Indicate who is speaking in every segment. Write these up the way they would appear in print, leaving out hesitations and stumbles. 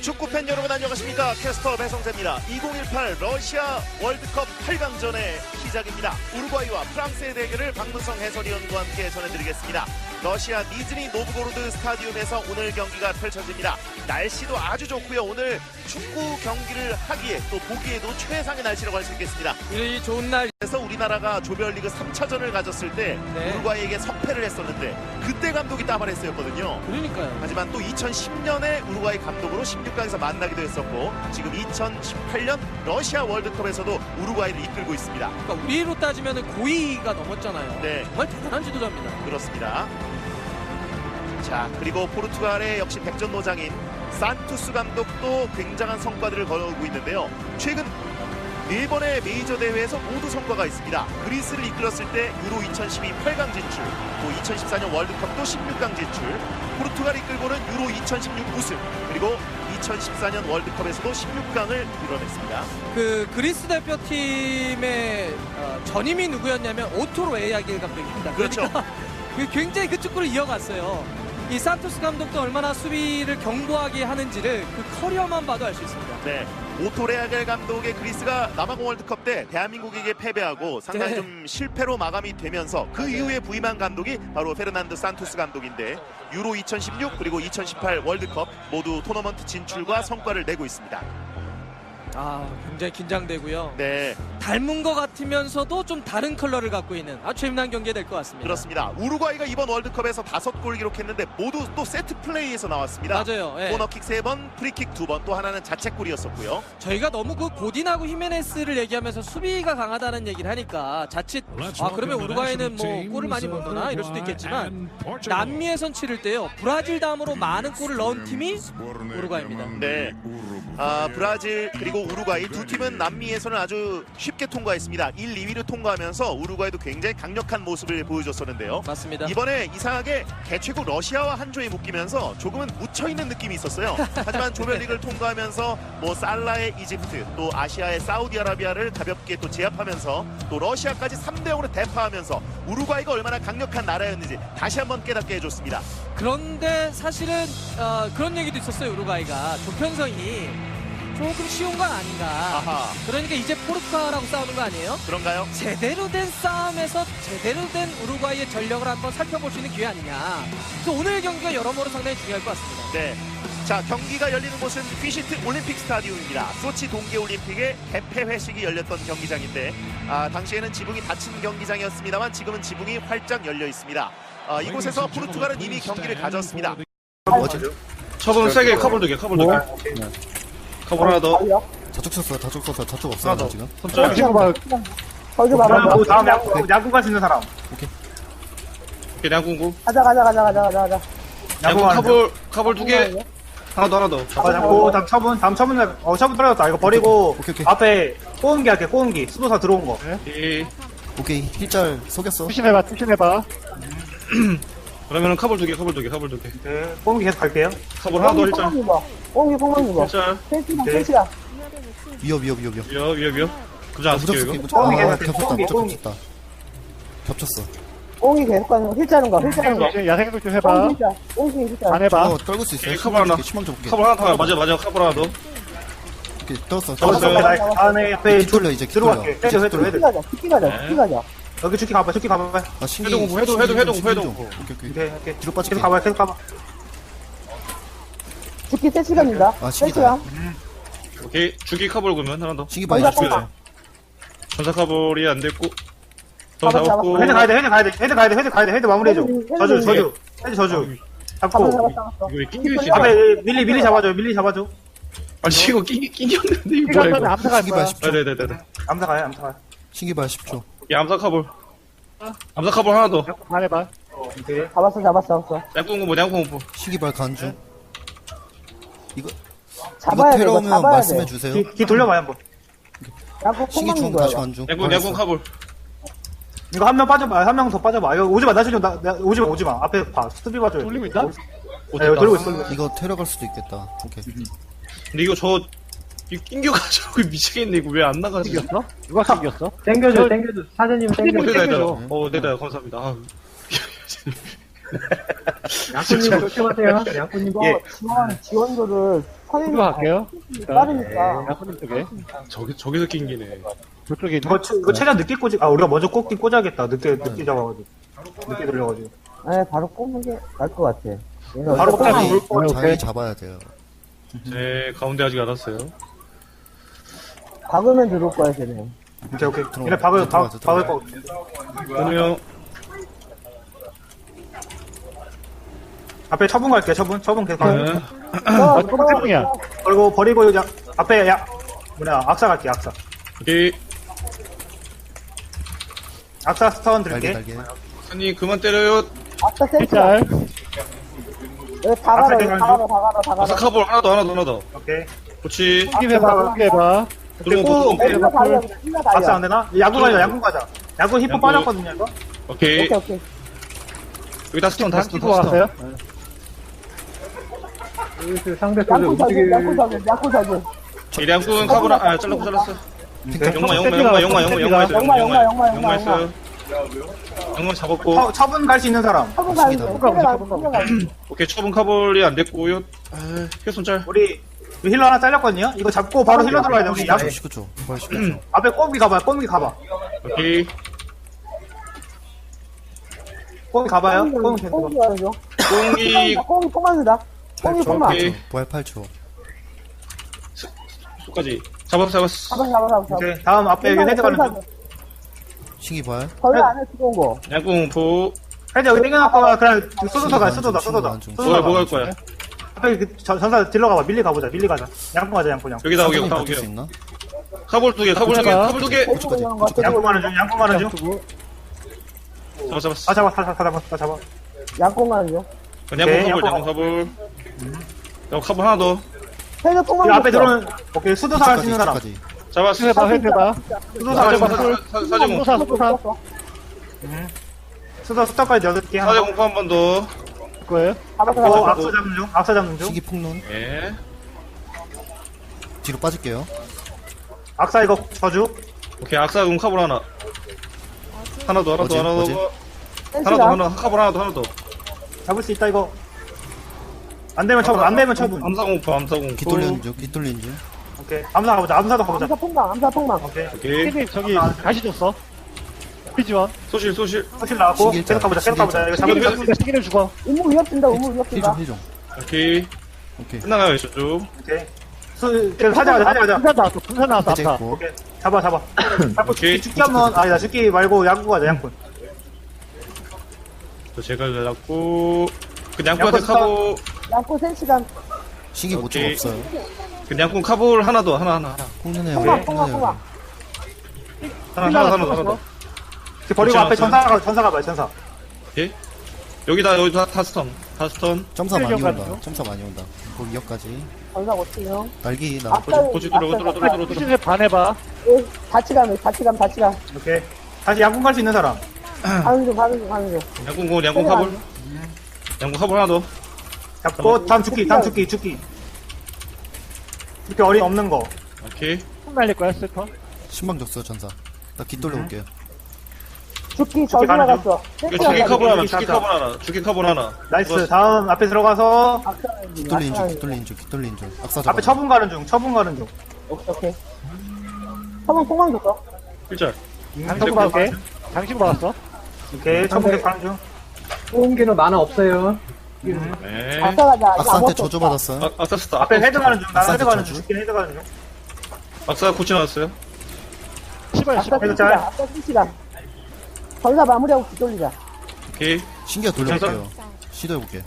Speaker 1: 축구팬 여러분 안녕하십니까. 캐스터 배성재입니다. 2018 러시아 월드컵 8강전의 시작입니다. 우루과이와 프랑스의 대결을 박문성 해설위원과 함께 전해드리겠습니다. 러시아 니즈니 노브고로드 스타디움에서 오늘 경기가 펼쳐집니다. 날씨도 아주 좋고요. 오늘 축구 경기를 하기에 또 보기에도 최상의 날씨라고 할 수 있겠습니다.
Speaker 2: 이 좋은 날.
Speaker 1: 그래서 우리나라가 조별리그 3차전을 가졌을 때 우루과이에게 석패를 했었는데 그때 감독이 따바레스였거든요.
Speaker 2: 그러니까요.
Speaker 1: 하지만 또 2010년에 우루과이 감독으로 16강에서 만나기도 했었고 지금 2018년 러시아 월드컵에서도 우루과이를 이끌고 있습니다.
Speaker 2: 그러니까 우리로 따지면 고의가 넘었잖아요.
Speaker 1: 네.
Speaker 2: 정말 대단한 지도자입니다.
Speaker 1: 그렇습니다. 자, 그리고 포르투갈의 역시 백전노장인 산투스 감독도 굉장한 성과들을 거두고 있는데요. 최근 4번의 메이저 대회에서 모두 성과가 있습니다. 그리스를 이끌었을 때 유로 2012 8강 진출, 또 2014년 월드컵도 16강 진출, 포르투갈 이끌고는 유로 2016 우승, 그리고 2014년 월드컵에서도 16강을 이뤄냈습니다.
Speaker 2: 그 그리스 대표팀의 전임이 누구였냐면 오토로 에야길 감독입니다.
Speaker 1: 그렇죠.
Speaker 2: 그러니까 굉장히 그 축구를 이어갔어요. 이 산토스 감독도 얼마나 수비를 견고하게 하는지를 그 커리어만 봐도 알 수 있습니다.
Speaker 1: 네, 오토레아겔 감독의 그리스가 남아공 월드컵 때 대한민국에게 패배하고 상당히
Speaker 2: 네.
Speaker 1: 좀 실패로 마감이 되면서 그 이후에 부임한 감독이 바로 페르난드 산투스 감독인데 유로 2016 그리고 2018 월드컵 모두 토너먼트 진출과 성과를 내고 있습니다.
Speaker 2: 아, 굉장히 긴장되고요.
Speaker 1: 네,
Speaker 2: 닮은 것 같으면서도 좀 다른 컬러를 갖고 있는 아주 재미난 경기가 될 것 같습니다.
Speaker 1: 그렇습니다. 우루과이가 이번 월드컵에서 5골 기록했는데 모두 또 세트 플레이에서 나왔습니다.
Speaker 2: 맞아요. 예.
Speaker 1: 코너킥 3번, 프리킥 2번, 또 하나는 자책골이었었고요.
Speaker 2: 저희가 너무 그 고딘하고 히메네스를 얘기하면서 수비가 강하다는 얘기를 하니까 자칫 그러면 우루과이는 뭐 골을 많이 못 넣나 이럴 수도 있겠지만 남미에선 치를 때요 브라질 다음으로 많은 골을 넣은 팀이 우루과이입니다.
Speaker 1: 네, 브라질 그리고 우루과이 두 팀은 남미에서는 아주 쉽게 통과했습니다. 1, 2위를 통과하면서 우루과이도 굉장히 강력한 모습을 보여줬었는데요.
Speaker 2: 맞습니다.
Speaker 1: 이번에 이상하게 개최국 러시아와 한 조에 묶이면서 조금은 묻혀있는 느낌이 있었어요. 하지만 조별리그를 통과하면서 뭐 살라의 이집트 또 아시아의 사우디아라비아를 가볍게 또 제압하면서 또 러시아까지 3대0으로 대파하면서 우루과이가 얼마나 강력한 나라였는지 다시 한번 깨닫게 해줬습니다.
Speaker 2: 그런데 사실은 그런 얘기도 있었어요. 우루과이가 조편성이 조금 쉬운 건 아닌가.
Speaker 1: 아하.
Speaker 2: 그러니까 이제 포르투갈하고 싸우는 거 아니에요?
Speaker 1: 그런가요?
Speaker 2: 제대로 된 싸움에서 제대로 된 우루과이의 전력을 한번 살펴볼 수 있는 기회 아니냐. 그래서 오늘 경기가 여러모로 상당히 중요할 것 같습니다.
Speaker 1: 네. 자, 경기가 열리는 곳은 휘시트 올림픽 스타디움입니다. 소치 동계올림픽의 개폐 회식이 열렸던 경기장인데 당시에는 지붕이 닫힌 경기장이었습니다만 지금은 지붕이 활짝 열려 있습니다. 이곳에서 포르투갈은 이미 경기를 가졌습니다.
Speaker 3: 처분 세게 커블 두개 커블 두개 커블 하나 더
Speaker 4: 저쪽 쳤어, 저쪽 썼어, 저쪽 없어
Speaker 3: 하나 더
Speaker 4: 지금.
Speaker 3: 손절
Speaker 5: 거기 봐봐.
Speaker 6: 다음 야구 갈 수 있는 사람.
Speaker 3: 오케이 양궁구
Speaker 5: 가자.
Speaker 3: 양궁 커블 두개 하나 더
Speaker 6: 잡고 다음 처분 처분 떨어졌다. 이거 버리고
Speaker 4: 오케이.
Speaker 6: 앞에 꼬은기 할게. 꼬은기 수도사 들어온 거.
Speaker 4: 오케이, 힐짤 속였어.
Speaker 5: 투신해봐.
Speaker 3: 그러면은 커블 두개
Speaker 6: 네, 꼬은기 계속 갈게요.
Speaker 3: 커블 하나 더 일자
Speaker 5: 꽁기 꽁만 입어.
Speaker 3: 일자
Speaker 5: 셋이다.
Speaker 4: 위협.
Speaker 3: 위협 그저 안 쓸게요
Speaker 4: 무적수
Speaker 3: 이거
Speaker 4: 깨고.
Speaker 6: 꽁기 계속
Speaker 4: 겹쳤다,
Speaker 6: 꽁기.
Speaker 4: 겹쳤어.
Speaker 5: 꽁기 계속 가는 거. 힐짜는 거.
Speaker 7: 야생도 좀 해봐.
Speaker 5: 꽁기 힐짜.
Speaker 7: 안 해봐.
Speaker 4: 저거 떨굴 수 있어요.
Speaker 3: 오케이, 커버 하나.
Speaker 4: 희망 좀 볼게.
Speaker 3: 커블 하나 더 맞아 커블 하나 더
Speaker 4: 오케이, 떨었어.
Speaker 3: 떨었어요.
Speaker 6: 다음에 앞에
Speaker 4: 뒤돌려, 이제 기돌려.
Speaker 6: 들어갈게. 헤드.
Speaker 5: 죽기 가자.
Speaker 6: 여기 죽기 가봐.
Speaker 4: 아, 신기.
Speaker 3: 회동.
Speaker 4: 오케이.
Speaker 6: 오케이.
Speaker 4: 뒤로 빠질게.
Speaker 6: 계속 가봐.
Speaker 5: 죽기 세 시간입니다.
Speaker 4: 아,
Speaker 5: 세
Speaker 4: 신기다.
Speaker 5: 시간.
Speaker 3: 오케이 주기 커블 그러면 하나 더
Speaker 4: 신기 많이
Speaker 5: 전사
Speaker 4: 죽여.
Speaker 5: 뽕.
Speaker 3: 전사 커블이 안 됐고 더
Speaker 5: 잡았어.
Speaker 3: 잡았고
Speaker 6: 헤드 가야 돼. 헤드 마무리해줘. 저주. 헤드 저주. 잡고.
Speaker 5: 잡았어.
Speaker 3: 이거 왜 낑겨 있지
Speaker 6: 앞에 밀리 잡아줘.
Speaker 3: 아니 이거 낑겼는데 이거 뭐야
Speaker 7: 시간
Speaker 3: 이거
Speaker 7: 암사 갈
Speaker 4: 신기
Speaker 7: 거야.
Speaker 4: 발 10초.
Speaker 3: 네네네네
Speaker 6: 암사 가요.
Speaker 4: 신기 발 10초.
Speaker 3: 이 암사 커블 하나 더
Speaker 7: 안 해봐.
Speaker 6: 오케이.
Speaker 5: 잡았어.
Speaker 3: 양궁구
Speaker 4: 신기 발 간주. 이거
Speaker 5: 잡아야 돼.
Speaker 4: 테러면
Speaker 5: 잡아야
Speaker 4: 말씀해
Speaker 5: 돼.
Speaker 4: 주세요.
Speaker 6: 뒤 돌려봐요 한번.
Speaker 5: 야구
Speaker 4: 신기
Speaker 5: 콩만
Speaker 4: 중
Speaker 5: 입어야
Speaker 4: 다시
Speaker 5: 돼.
Speaker 4: 간주.
Speaker 3: 양궁 커블
Speaker 6: 이거 한 명 빠져봐. 한 명 더 빠져봐. 이거 오지마. 오지마. 앞에 봐. 수비 봐줘요.
Speaker 7: 돌리고 있다?
Speaker 6: 네, 이거 돌리고 있어.
Speaker 4: 이거 테러 갈 수도 있겠다. 오케이.
Speaker 3: 근데 이거 이거 낑겨가지고 미치겠네 이거 왜 안 나가지
Speaker 7: 생겼어? 누가 생겼어?
Speaker 5: 땡겨줘. 사장님
Speaker 3: 네다 감사합니다
Speaker 5: 양꾼님 조심하세요. 양꾼님.
Speaker 6: 예.
Speaker 5: 지원도를
Speaker 7: 이거 갈게요.
Speaker 5: 빠르니까.
Speaker 7: 양꾼님 쪽에.
Speaker 3: 저기서 낑기네.
Speaker 7: 저쪽에 있는.
Speaker 6: 이거 최대한 늦게 꽂지, 우리가 먼저 꽂긴 꽂아야겠다. 늦게 잡아가지고. 늦게 돌려가지고.
Speaker 5: 네, 바로 꼽는 게 나을 것 같아.
Speaker 6: 바로 꽂으면
Speaker 4: 자리,
Speaker 6: 올 거.
Speaker 4: 자리 잡아야 돼요.
Speaker 3: 제 가운데 아직 안 왔어요.
Speaker 5: 박으면 들어올 거야, 쟤네.
Speaker 6: 오케이.
Speaker 4: 들어와.
Speaker 6: 얘네 박을
Speaker 4: 들어가자,
Speaker 6: 거.
Speaker 3: 그러면
Speaker 6: 앞에 처분 갈게요, 처분 계속 가요.
Speaker 3: 네.
Speaker 7: 아, 똥땡이야.
Speaker 6: 버리고, 앞에, 악사 갈게요, 악사.
Speaker 3: 오케이.
Speaker 6: 악사 스턴
Speaker 4: 날개,
Speaker 6: 드릴게.
Speaker 4: 날개.
Speaker 3: 선님 그만 때려요.
Speaker 5: 아까 센스.
Speaker 7: 짤.
Speaker 5: 여기 다 가라, 여기 다 가라, 다 가라.
Speaker 3: 아사카볼 하나 더.
Speaker 6: 오케이.
Speaker 3: 그렇지.
Speaker 7: 땡기 해봐. 땡기 해봐.
Speaker 3: 들어오면
Speaker 6: 오케이.
Speaker 5: 땡겨 달려, 땡겨 달려.
Speaker 6: 악사 안 되나? 야구 가자. 야구 히포
Speaker 3: 야구.
Speaker 6: 빠졌거든요, 이거.
Speaker 3: 오케이.
Speaker 5: 오케이.
Speaker 3: 여기다 스톤 다 스톤
Speaker 7: 끼고 왔어요.
Speaker 5: 양꾼 사줄.
Speaker 3: 이량꾼 카보나 잘랐어. 용마 했어요. 용마 잡았고.
Speaker 6: 처분 갈 수 있는 사람.
Speaker 5: 처분 가는 중.
Speaker 3: 오케이 처분 카볼이 안 됐고요. 혈손
Speaker 6: 우리 힐러 하나 잘렸거든요? 이거 잡고 바로 힐러 들어가야 돼, 우리.
Speaker 4: 19초. 부활 19초.
Speaker 6: 앞에 꼼기 가봐.
Speaker 3: 오케이.
Speaker 6: 꼼기 가봐요. 꼼기 계속
Speaker 5: 꽁기 가는 중.
Speaker 3: 꽁기
Speaker 5: 꽁기 통만이다. 꽁기 통만.
Speaker 3: 오케이.
Speaker 4: 부활 8초.
Speaker 3: 수까지 잡았어.
Speaker 5: 잡아.
Speaker 6: 오케이. 다음 앞에 여기 헤드 가는 중.
Speaker 4: 신기 부활.
Speaker 5: 거기 안에 들어온 거.
Speaker 3: 양궁 보.
Speaker 6: 헤드 여기 땡겨놨고, 그냥 쏘도서 가, 쏘도다.
Speaker 3: 뭐 갈 거야?
Speaker 6: 앞에 전사 딜러 가봐. 밀리 가보자. 양꾼 가자, 양꾼.
Speaker 3: 여기다
Speaker 4: 사장님
Speaker 3: 오게.
Speaker 4: 바뀔 수 있나?
Speaker 3: 카볼 두 개.
Speaker 6: 양꾼 가는 중.
Speaker 3: 잡았어.
Speaker 6: 다 잡아.
Speaker 5: 양꾼 가는 중.
Speaker 3: 양궁 카볼. 카볼 하나 더.
Speaker 5: 헤드 통만.
Speaker 6: 이 앞에 들어오는, 오케이. 수도사 갈 수 있는 사람.
Speaker 3: 잡았어.
Speaker 7: 해봐. 해봐.
Speaker 6: 수도사 갈 수 있는 사람.
Speaker 3: 사제공.
Speaker 7: 쏘사.
Speaker 6: 수도 스타까지 8개 하나.
Speaker 3: 사제공 한 번 더.
Speaker 7: 거예요.
Speaker 5: 잡아.
Speaker 6: 악사 잡는 중.
Speaker 4: 신기 폭눈.
Speaker 3: 예.
Speaker 4: 뒤로 빠질게요.
Speaker 6: 악사 이거 저주.
Speaker 3: 오케이 악사공 카볼 하나. 하나 더.
Speaker 4: 어제?
Speaker 3: 카볼 하나 더.
Speaker 6: 잡을 수 있다, 이거. 안 되면 처분.
Speaker 3: 암사공.
Speaker 4: 깃돌리는 중.
Speaker 6: 오케이. 암사 가보자. 암사도 가보자.
Speaker 5: 암사 통만.
Speaker 6: 오케이.
Speaker 3: 오케이.
Speaker 7: 땡기 저기 다시 줬어. 피지원.
Speaker 3: 소실.
Speaker 6: 소실 나왔고.
Speaker 4: 신기일자.
Speaker 6: 계속 가보자. 이거 잡으면
Speaker 7: 땡기를 죽어.
Speaker 5: 우물 위협된다.
Speaker 4: 힐 좀.
Speaker 3: 오케이.
Speaker 4: 오케이.
Speaker 3: 끝나가요 저쪽.
Speaker 6: 오케이. 계속 하자.
Speaker 7: 분산 나왔어.
Speaker 4: 해제
Speaker 7: 아까.
Speaker 4: 있고.
Speaker 6: 오케이. 잡아.
Speaker 3: 오케이.
Speaker 6: 죽기 한번, 아니다. 죽기 말고 양꾼 가자, 양꾼.
Speaker 3: 저 제가 잡고. 그 양꾼한테 카볼.
Speaker 5: 양꾼 센시간.
Speaker 4: 신기 5초
Speaker 3: 오케이.
Speaker 4: 없어요.
Speaker 3: 그 양꾼 카볼 하나 더. 하나.
Speaker 4: 폭눈해요.
Speaker 5: 통만.
Speaker 3: 하나 더.
Speaker 6: 버리고 앞에
Speaker 3: 그렇죠.
Speaker 6: 전사 가봐요, 전사.
Speaker 3: 오케이. 여기다 다 스턴.
Speaker 4: 점사 많이
Speaker 7: 가는
Speaker 4: 온다.
Speaker 7: 중.
Speaker 4: 점사 많이 온다. 거기 2역까지.
Speaker 5: 전사 어때요?
Speaker 4: 날기 나.
Speaker 5: 아까
Speaker 3: 고치 들어.
Speaker 7: 피지에 반해봐.
Speaker 5: 같이 가.
Speaker 6: 오케이. 다시 양꾼 갈 수 있는 사람.
Speaker 5: 가는 중.
Speaker 3: 양꾼 카볼. 양꾼 카볼 하나 더.
Speaker 6: 잡고, 다음 죽기. 이렇게 어린 없는 거.
Speaker 3: 오케이.
Speaker 7: 손 날릴 거야, 스터.
Speaker 4: 신방 줬어 전사. 나 깃돌려 올게요.
Speaker 5: 죽기 저주
Speaker 6: 가는 중.
Speaker 5: 나갔어.
Speaker 3: 이거 죽기 카볼 하나.
Speaker 6: 나이스. 다음 앞에 들어가서,
Speaker 4: 깃돌리는 중. 악사 잡아.
Speaker 6: 앞에 처분 가는 중.
Speaker 5: 오케이. 처분 통만 줬어.
Speaker 3: 필짤.
Speaker 7: 당신 받을게. 당신 받았어.
Speaker 6: 오케이. 처분 계속 가는 중.
Speaker 5: 소음기는 만화 없어요.
Speaker 3: 네.
Speaker 5: 아까 가자.
Speaker 4: 악사한테 저주 받았어요.
Speaker 3: 악사 스타.
Speaker 6: 앞에 헤드 가는 중. 나는 헤드
Speaker 4: 악사한테
Speaker 6: 가는 중.
Speaker 4: 저주.
Speaker 6: 죽기는 헤드 가는 중.
Speaker 3: 악사 고치 나왔어요.
Speaker 7: 시발.
Speaker 5: 아까
Speaker 6: 헤드 짤.
Speaker 5: 센시간. 전사 마무리하고 뒤돌리자.
Speaker 3: 오케이.
Speaker 4: 신기가 돌려볼게요. 시도해볼게.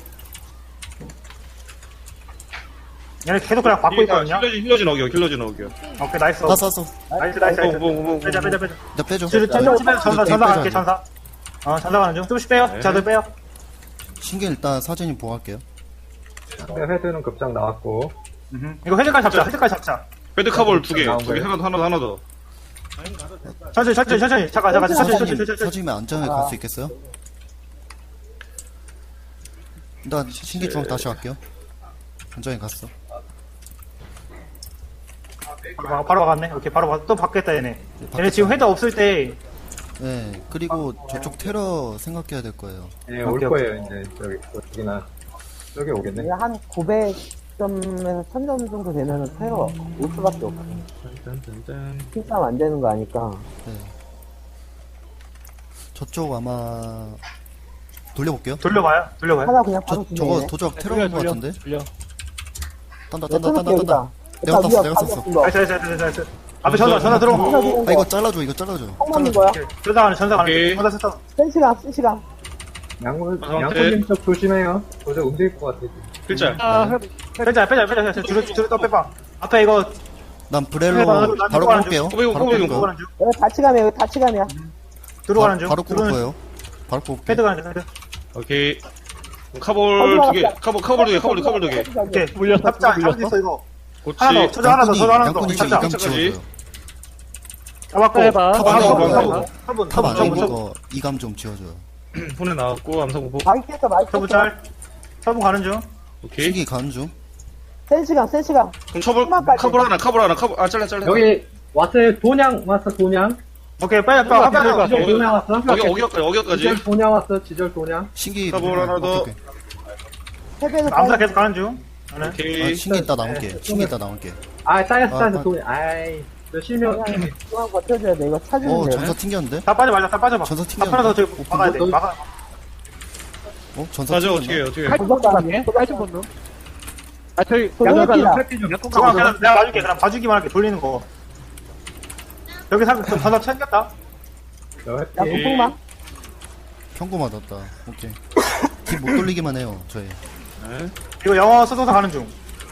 Speaker 6: 얘네 계속 그냥 받고 있거든요.
Speaker 3: 힐러진 어겨.
Speaker 6: 오케이, 나이스.
Speaker 4: 다 쐈어.
Speaker 6: 나이스. 빼자.
Speaker 4: 나 빼줘.
Speaker 6: 전사 갈게, 전사. 전사 가는 중. 조금씩 빼요.
Speaker 3: 네.
Speaker 6: 자들 빼요.
Speaker 4: 신기 일단 사진이 보호할게요.
Speaker 8: 헤드는 급장 나왔고
Speaker 6: 이거 헤드까지 잡자.
Speaker 3: 헤드 카볼 두 개. 하나 더.
Speaker 6: 천천히. 잠깐. 천천히.
Speaker 4: 사진이면 안전하게 갈 수 있겠어요? 일단 신기 쪽 다시 갈게요. 안전하게 갔어.
Speaker 6: 바로 박았네. 오케이, 또 받겠다, 얘네. 얘네 지금 헤드 없을 때,
Speaker 4: 네, 그리고 저쪽 테러 생각해야 될 거예요.
Speaker 8: 네, 올 거예요, 이제. 여기나. 여기 오겠네.
Speaker 5: 이게 한 900점에서 1000점 정도 되면은 테러 올 수밖에 없어.
Speaker 8: 짠짠짠.
Speaker 5: 팀싸움 안 되는 거 아니까.
Speaker 4: 네. 저쪽 아마 돌려볼게요.
Speaker 6: 돌려봐요.
Speaker 5: 하나 그냥
Speaker 4: 저
Speaker 5: 바로
Speaker 4: 저거
Speaker 5: 진행해.
Speaker 4: 도적 테러인 것 같은데.
Speaker 7: 돌려.
Speaker 4: 딴다
Speaker 5: 네,
Speaker 4: 딴다 딴다
Speaker 5: 끊을게,
Speaker 4: 딴다.
Speaker 5: 여기다.
Speaker 4: 내가
Speaker 5: 일단
Speaker 4: 썼어
Speaker 5: 위협
Speaker 4: 내가 썼어.
Speaker 5: 가격 이거.
Speaker 6: 나이스. 앞에 전사 들어온 거.
Speaker 4: 아 이거 잘라줘 이거 잘라줘.
Speaker 5: 총 맞는 거야.
Speaker 6: 전사 가는
Speaker 3: 오케이.
Speaker 6: 전사 세터.
Speaker 5: 쓴 시간.
Speaker 8: 양꾼님 쪽 조심해요. 도저 움직일 것 같아.
Speaker 3: 글자.
Speaker 7: 아,
Speaker 6: 빼자. 줄을 또 빼봐. 앞에 이거
Speaker 4: 난 브렐로
Speaker 6: 해봐.
Speaker 4: 바로
Speaker 6: 난
Speaker 4: 뽑을게요.
Speaker 3: 꼬비고,
Speaker 4: 바로
Speaker 3: 꼬비고.
Speaker 4: 뽑을게요.
Speaker 6: 들어가는 중.
Speaker 5: 여기 다치감이야.
Speaker 6: 들어가는 중.
Speaker 4: 바로 뽑을 거예요. 바로 뽑을게.
Speaker 6: 헤드 가는 중. 헤드.
Speaker 3: 오케이. 카볼 두 개. 카볼 두 개. 카볼 두 개.
Speaker 6: 오케이.
Speaker 7: 물렸어.
Speaker 6: 잡자.
Speaker 7: 물렸어.
Speaker 6: 잡고 있어 이거.
Speaker 3: 그렇지.
Speaker 6: 하나 더. 저저 하나 더. 저저 하나 더.
Speaker 4: 양꾼이
Speaker 6: 잡자.
Speaker 4: 이감 지워줘요.
Speaker 6: 잡았고.
Speaker 7: 해봐.
Speaker 6: 한번
Speaker 4: 탑 안에 있는
Speaker 6: 저분
Speaker 4: 거 이감 좀 지워줘요.
Speaker 3: 손에 나왔고 암사공포.
Speaker 5: 마이 깼어.
Speaker 6: 짤. 저분 가는 중.
Speaker 3: 오케이.
Speaker 4: 신기 가는 중.
Speaker 5: 센 시간.
Speaker 3: 그럼 카볼 하나. 아 잘라.
Speaker 8: 여기 왔어요. 돈양 왔어, 돈양.
Speaker 6: 오케이. 빨리.
Speaker 8: 지절 돈양 왔어.
Speaker 3: 어기까지.
Speaker 8: 지절 돈양 왔어, 지절 돈양.
Speaker 4: 신기
Speaker 3: 카볼 하나 더.
Speaker 4: 오케이, 오케이.
Speaker 5: 헤드는
Speaker 6: 암사 계속 가는 중. 네.
Speaker 4: 아,
Speaker 3: 오케이.
Speaker 4: 신기 이따 나올게. 신기 이따 나올게.
Speaker 8: 아, 쌓였어,
Speaker 4: 아,
Speaker 8: 돈양. 아이. 저 실명.
Speaker 5: 중앙 버텨줘야 돼. 이거 찾으면
Speaker 4: 어
Speaker 5: 돼.
Speaker 4: 전사 튕겼는데?
Speaker 6: 다 빠져봐. 다 빠져봐.
Speaker 4: 전사
Speaker 6: 다 하나 더 저기
Speaker 4: 튕겼는데?
Speaker 6: 막아야 돼. 막아.
Speaker 4: 어 전사
Speaker 3: 맞아
Speaker 4: 튕겼나?
Speaker 3: 어떻게 해.
Speaker 7: 칼좀 본다네. 칼좀 본다. 아, 저기,
Speaker 5: 도전해봅니다.
Speaker 7: 양꾼
Speaker 6: 중앙
Speaker 7: 가보자.
Speaker 6: 내가 봐줄게. 그럼 봐주기만 할게. 돌리는 거. 여기 전사 챙겼다.
Speaker 5: 양꾼 폭망.
Speaker 4: 평고 맞았다. 오케이. 팀 못 돌리기만 해요. 저희.
Speaker 6: 이거 영어 써서 가는 중.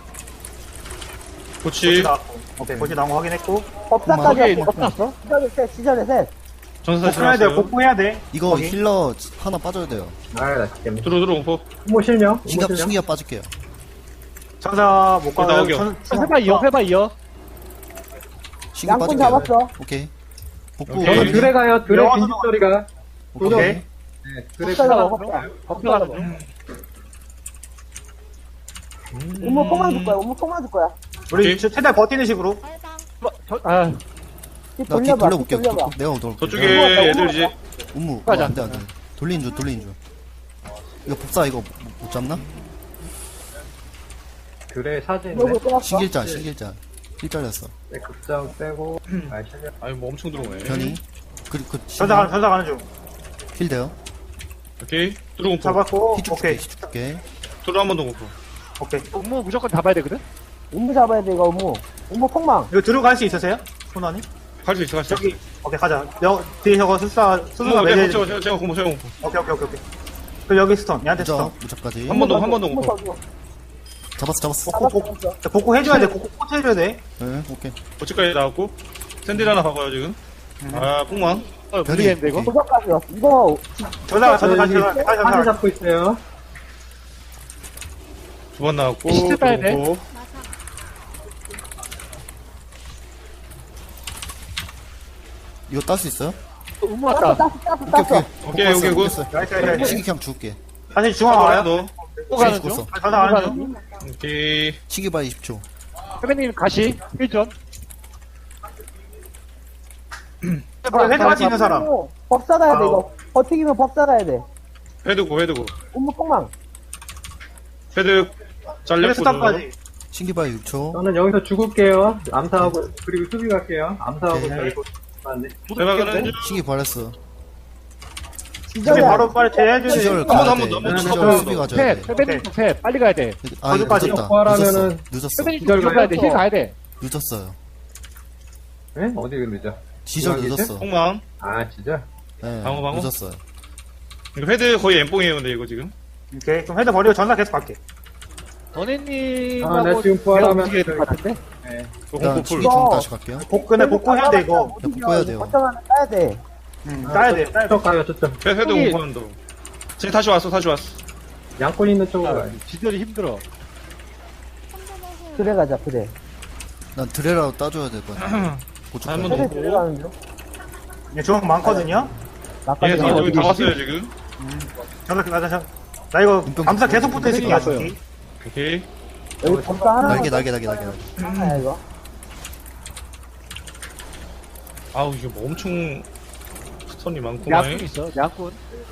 Speaker 3: 그렇지.
Speaker 6: 고치 나왔고. 오케이. 고치 나온 거 확인했고.
Speaker 5: 법사까지
Speaker 7: 오케이,
Speaker 5: 왔어.
Speaker 7: 없었어?
Speaker 5: 시절에 셋.
Speaker 3: 전사
Speaker 6: 복구해야 돼.
Speaker 3: 지났어요.
Speaker 6: 복구해야 돼.
Speaker 4: 이거
Speaker 6: 거기.
Speaker 4: 힐러 하나 빠져야 돼요.
Speaker 8: 아, 나 죽겠네.
Speaker 3: 들어 공포.
Speaker 8: 부모 실명.
Speaker 4: 신기가 빠질게요.
Speaker 6: 전사 못 가요.
Speaker 3: 나오겨.
Speaker 7: 해봐, 이어.
Speaker 4: 신기
Speaker 5: 양꾼
Speaker 4: 빠질게요.
Speaker 5: 잡았어.
Speaker 4: 오케이. 복구
Speaker 3: 오케이.
Speaker 4: 완료.
Speaker 8: 드레 가요. 드레
Speaker 6: 영어
Speaker 8: 빈집 소리가.
Speaker 6: 오케이.
Speaker 8: 네, 드레
Speaker 5: 법사 잡아. 법사 잡아. 우무 폭망 줄 거야.
Speaker 6: 우리
Speaker 3: 오케이.
Speaker 6: 최대한 버티는 식으로.
Speaker 7: 아,
Speaker 4: 나뒤
Speaker 5: 돌려봐.
Speaker 4: 돌려볼게요.
Speaker 5: 돌려봐.
Speaker 4: 내가 돌볼게.
Speaker 3: 저쪽에 애들 이제
Speaker 4: 음무.
Speaker 7: 가자.
Speaker 4: 안돼. 돌리는 중. 이거 법사 이거 못 잡나?
Speaker 8: 드레 사진에.
Speaker 5: 이거 빼놨어.
Speaker 4: 신길자. 힐 잘렸어.
Speaker 8: 네, 급장 빼고. 아, 실명.
Speaker 3: 아니 뭐 엄청 들어오네.
Speaker 4: 변이. 그
Speaker 6: 전사 가는 중.
Speaker 4: 힐 돼요.
Speaker 3: 오케이. 들어 공포.
Speaker 6: 잡았고.
Speaker 4: 힐
Speaker 6: 오케이.
Speaker 4: 줄게.
Speaker 3: 들어 한 번 더 공포.
Speaker 6: 오케이.
Speaker 7: 업무 무조건 잡아야 되거든?
Speaker 5: 우무 잡아야 돼, 이거 우무. 우무 폭망.
Speaker 6: 이거 들어갈 수 있으세요? 손원이?
Speaker 3: 갈 수 있어.
Speaker 6: 저기. 오케이, 가자. 뒤에 저거 수사 매제.
Speaker 3: 제가 공포.
Speaker 6: 오케이. 그 여기 스톤. 얘한테 스톤.
Speaker 4: 무적까지.
Speaker 3: 한 번 더 공포.
Speaker 4: 잡았어.
Speaker 6: 복구 해줘야 돼. 복구 꼭 해줘야 돼.
Speaker 4: 네, 오케이.
Speaker 3: 고치까지 나왔고 샌딜 하나 박아요 지금. 아 뽕망.
Speaker 7: 모르겠는데, 이거?
Speaker 5: 도적까지 왔어. 이거
Speaker 6: 전사
Speaker 8: 사진
Speaker 6: 가자.
Speaker 8: 잡고 있어요.
Speaker 3: 두 번 나왔고.
Speaker 7: 시트 따야 돼.
Speaker 3: 공포.
Speaker 4: 이거 딸 수 있어요?
Speaker 7: 업무 왔다.
Speaker 5: 땄어.
Speaker 3: 오케이, 오케이, 굿.
Speaker 6: 나이스.
Speaker 4: 신기 그냥 줄게.
Speaker 6: 다시 중앙
Speaker 3: 하나
Speaker 6: 와요.
Speaker 3: 더.
Speaker 7: 또 가는 중.
Speaker 4: 죽었어.
Speaker 6: 전사 가는 중.
Speaker 3: 오케이.
Speaker 4: 신기 바이 20초.
Speaker 7: 회배님 가시. 1전.
Speaker 6: 헤드 같이 있는 사람.
Speaker 5: 법사 가야 돼, 이거. 버티기면 법사 가야 돼.
Speaker 3: 헤드고.
Speaker 5: 우무 폭망.
Speaker 3: 헤드 잘렸고.
Speaker 6: 스탑까지.
Speaker 4: 신기 바이 6초.
Speaker 8: 저는 여기서 죽을게요. 암사하고, 그리고 수비 갈게요. 암사하고,
Speaker 4: 오케이.
Speaker 8: 저기 맞네.
Speaker 3: 대박은
Speaker 4: 신기 발했어.
Speaker 6: 수비
Speaker 5: 시절에
Speaker 6: 바로 빨리 제해줘야
Speaker 4: 기절
Speaker 6: 돼.
Speaker 4: 가야 돼.
Speaker 3: 한 번 더.
Speaker 4: 기절 수비 가져야
Speaker 7: 셋.
Speaker 4: 돼.
Speaker 7: 회배님 셋. 빨리 가야 돼.
Speaker 4: 아 이거
Speaker 6: 거기까지
Speaker 4: 늦었다.
Speaker 8: 하면은-
Speaker 4: 늦었어.
Speaker 7: 회배님
Speaker 8: 기절
Speaker 7: 좀 가야 돼. 힐 가야 돼.
Speaker 4: 늦었어요.
Speaker 8: 네? 어디 늦어?
Speaker 4: 지절
Speaker 8: 중앙이지?
Speaker 4: 늦었어.
Speaker 3: 뽕망.
Speaker 8: 아, 진짜?
Speaker 4: 네,
Speaker 3: 방어.
Speaker 4: 늦었어요.
Speaker 3: 이거 헤드 거의 엠뽕이에요 근데 이거 지금.
Speaker 6: 오케이. 그럼 헤드 버리고 전사 계속 갈게.
Speaker 7: 너네님하고
Speaker 8: 아, 나 지금 부활하면
Speaker 7: 움직여야 될 것 같은데?
Speaker 8: 네.
Speaker 4: 일단
Speaker 3: 공포
Speaker 4: 신기
Speaker 3: 풀.
Speaker 4: 중 다시 갈게요.
Speaker 6: 근데 복구해야 돼, 이거.
Speaker 4: 네, 복구해야 돼요.
Speaker 5: 버텨가면 따야 돼.
Speaker 6: 따야 돼.
Speaker 8: 저쪽 가요, 저쪽.
Speaker 3: 헤드
Speaker 7: 형이-
Speaker 3: 공포 한다. 지금 다시 왔어.
Speaker 8: 양꾼 있는 쪽으로 가요.
Speaker 7: 지절이 힘들어.
Speaker 5: 그래 가자, 그래.
Speaker 4: 난 드레라도 따줘야 될 것 같아. 고춧가루.
Speaker 3: 한 번 더.
Speaker 5: 헤드 들어가는 중.
Speaker 6: 예, 중앙 많거든요?
Speaker 5: 나까지
Speaker 3: 얘
Speaker 5: 가면
Speaker 3: 여기 다 왔어요 지금.
Speaker 6: 전사. 나 이거 암사 계속 붙어 있을게.
Speaker 7: 왔어요.
Speaker 3: 오케이.
Speaker 5: 여기 법사 하나.
Speaker 4: 날개.
Speaker 5: 하나야, 이거.
Speaker 3: 아우 이게 뭐 엄청 손이 많구만.
Speaker 7: 양꾼 있어, 양꾼.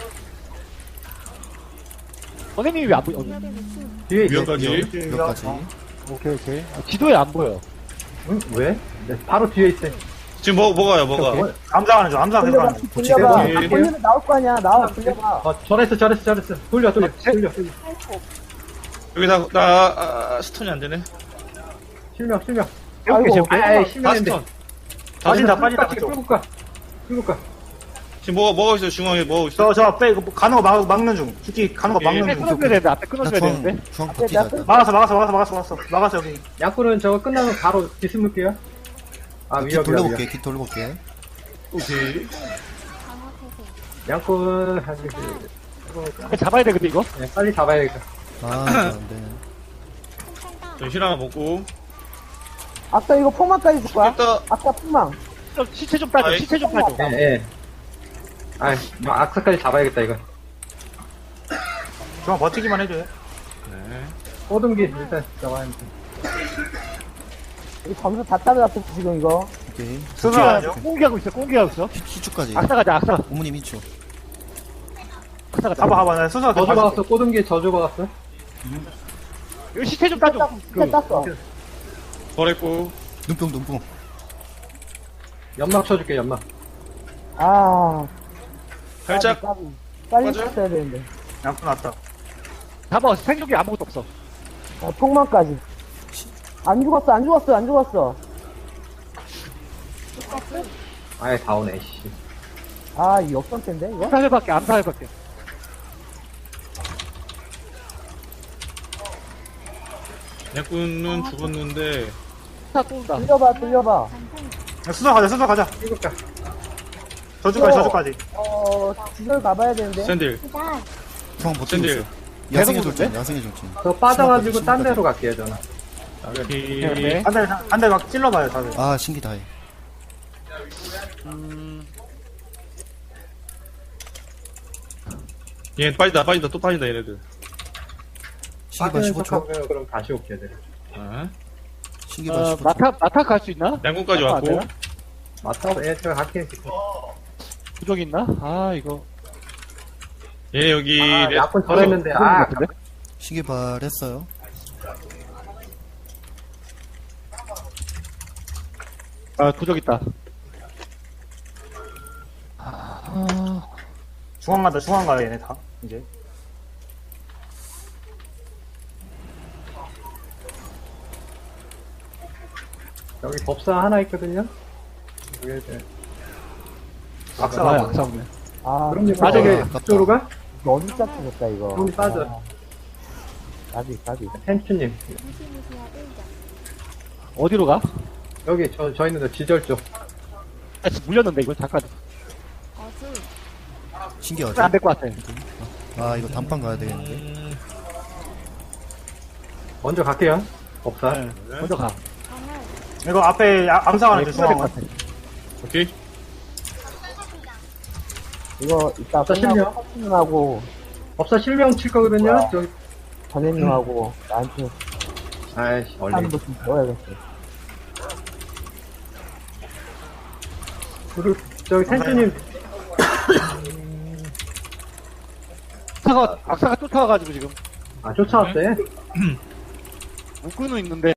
Speaker 7: 선생님이 왜 안 보여?
Speaker 8: 뒤에 있어.
Speaker 3: 위험까지.
Speaker 4: 여기까지.
Speaker 7: 오케이, 오케이. 지도에 안 보여.
Speaker 8: 응? 왜? 네, 바로 뒤에 있어.
Speaker 3: 지금 먹어요, 먹어.
Speaker 6: 암사하는 중, 암사 계속 하는 중.
Speaker 5: 돌려봐.
Speaker 3: 오케이.
Speaker 5: 돌리면 나올 거 아니야. 나와, 돌려봐.
Speaker 8: 잘했어. 돌려.
Speaker 3: 여기 스톤이 안 되네.
Speaker 8: 실명.
Speaker 7: 아이고,
Speaker 8: 아이,
Speaker 3: 다
Speaker 8: 실명인데.
Speaker 3: 스톤.
Speaker 6: 빠진다, 빠진다.
Speaker 8: 끌고 가.
Speaker 3: 지금 먹어 있어, 중앙에 먹어 있어.
Speaker 6: 저 빼, 이거 가는 거 막는 중. 죽기 가는 거 막는
Speaker 7: 앞에
Speaker 6: 중.
Speaker 7: 끊어줘야 되는데, 앞에
Speaker 4: 나
Speaker 7: 끊어줘야 되는데.
Speaker 4: 중앙 버티자. 일단.
Speaker 6: 막았어, 여기.
Speaker 8: 양꾼은 저거 끝나면 바로 뒤숨을게요. 아,
Speaker 4: 깃
Speaker 8: 위협이야.
Speaker 4: 돌려볼게. 깃 돌려볼게.
Speaker 3: 오케이.
Speaker 8: 양꾼,
Speaker 7: 잡아야 돼, 근데 이거?
Speaker 8: 네, 빨리 잡아야겠다.
Speaker 4: 아, 이거 안 돼.
Speaker 3: 저 힐 하나 먹고.
Speaker 5: 아까 이거 폭망까지 줄 거야?
Speaker 3: 일단
Speaker 5: 아까 폭망.
Speaker 7: 좀 시체 좀 따줘,
Speaker 3: 아이.
Speaker 7: 시체 좀 따줘.
Speaker 8: 예. 아이, 악사까지 잡아야겠다, 이거.
Speaker 6: 중앙 버티기만 해줘요.
Speaker 3: 네.
Speaker 8: 꼬둥기, 일단 잡아야 돼.
Speaker 5: 이 점수 다 따라잡혔어, 지금 이거.
Speaker 4: 오케이.
Speaker 6: 수사하죠.
Speaker 7: 꽁기하고 있어.
Speaker 4: 희축까지.
Speaker 7: 악사 가자, 악사.
Speaker 4: 어머님 희축.
Speaker 7: 악사 가자.
Speaker 6: 가봐. 나 수사
Speaker 8: 저주 박았어, 꼬둥기 저주 박았어.
Speaker 7: 이거 시체 좀 따줘.
Speaker 5: 진짜 땄어.
Speaker 3: 버렸고.
Speaker 4: 눈뽕.
Speaker 8: 연막 쳐줄게, 연막.
Speaker 5: 아,
Speaker 3: 살짝.
Speaker 5: 빨리
Speaker 3: 맞아요?
Speaker 5: 땄어야 되는데.
Speaker 6: 양푼 왔다.
Speaker 7: 잡아, 생존기 아무것도 없어.
Speaker 5: 아, 폭망까지. 안 죽었어.
Speaker 8: 아예 다 오네, 씨.
Speaker 5: 아, 이 역전인데 이거?
Speaker 7: 암사해밖에.
Speaker 3: 약군은 죽었는데.
Speaker 7: 다 쏜다.
Speaker 5: 돌려봐.
Speaker 6: 수사 가자.
Speaker 8: 이거 까.
Speaker 6: 저주까지.
Speaker 5: 지절 가봐야 되는데.
Speaker 3: 샌들.
Speaker 4: 중앙 버티고
Speaker 3: 샌들.
Speaker 4: 있어. 야생의
Speaker 7: 계속
Speaker 4: 돌진. 야생의 돌진.
Speaker 8: 저 빠져가지고
Speaker 4: 신발
Speaker 8: 딴
Speaker 4: 빠져.
Speaker 8: 데로 갈게요, 저는.
Speaker 3: 오케이.
Speaker 7: 오케이.
Speaker 6: 한 대 막 찔러봐요, 다들.
Speaker 4: 아, 신기 다해.
Speaker 3: 얘 빠지다, 또 빠진다, 얘네들.
Speaker 4: 신기발
Speaker 8: 빠지는
Speaker 4: 15초.
Speaker 8: 척하면 그럼 다시 올게요, 네.
Speaker 3: 아.
Speaker 4: 신기발 15초.
Speaker 7: 마타 갈 수 있나?
Speaker 3: 양궁까지
Speaker 7: 안
Speaker 3: 왔고.
Speaker 7: 되나?
Speaker 8: 맞다, 제가 갈게요, 지금.
Speaker 7: 부족 있나? 아, 이거.
Speaker 3: 얘 여기.
Speaker 8: 아, 약분
Speaker 7: 어,
Speaker 8: 저랬는데, 아,
Speaker 4: 신기발 했어요.
Speaker 7: 아, 부족 있다.
Speaker 6: 중앙 가, 얘네 다. 이제.
Speaker 8: 여기 법사 하나 있거든요? 여기 이제.
Speaker 6: 악사가 봐.
Speaker 7: 악사네.
Speaker 5: 아,
Speaker 8: 그럼 이제
Speaker 7: 빠져,
Speaker 8: 빠져게
Speaker 4: 아깝다.
Speaker 8: 그쪽으로 가?
Speaker 5: 너무 짝지겠다 이거.
Speaker 8: 그럼 빠져.
Speaker 5: 가비.
Speaker 8: 텐츄님.
Speaker 7: 어디로 가?
Speaker 8: 여기, 저 있는 데 지절 쪽.
Speaker 7: 아, 지금 물렸는데, 이거. 잠깐.
Speaker 4: 신기 어디?
Speaker 7: 안 될 것 같아.
Speaker 4: 아, 이거 단판 가야 되겠는데.
Speaker 8: 먼저 갈게요. 법사.
Speaker 7: 네. 먼저 가.
Speaker 6: 이거 앞에 암사가는 중,
Speaker 7: 끊어야 될것
Speaker 6: 중앙.
Speaker 7: 같아.
Speaker 3: 오케이.
Speaker 5: 이거 이따
Speaker 8: 자,
Speaker 5: 끝나고
Speaker 8: 실명.
Speaker 5: 서준하고
Speaker 8: 법사 실명 칠 거거든요?
Speaker 5: 뭐야?
Speaker 8: 저기,
Speaker 5: 전현님하고 나한테
Speaker 8: 아이씨, 얼리.
Speaker 5: 하는 거좀 배워야겠어.
Speaker 8: 그리고, 저기 텐츄님,
Speaker 7: 악사가 쫓아와가지고 지금.
Speaker 8: 아, 쫓아왔어요?
Speaker 7: 묶고는 있는데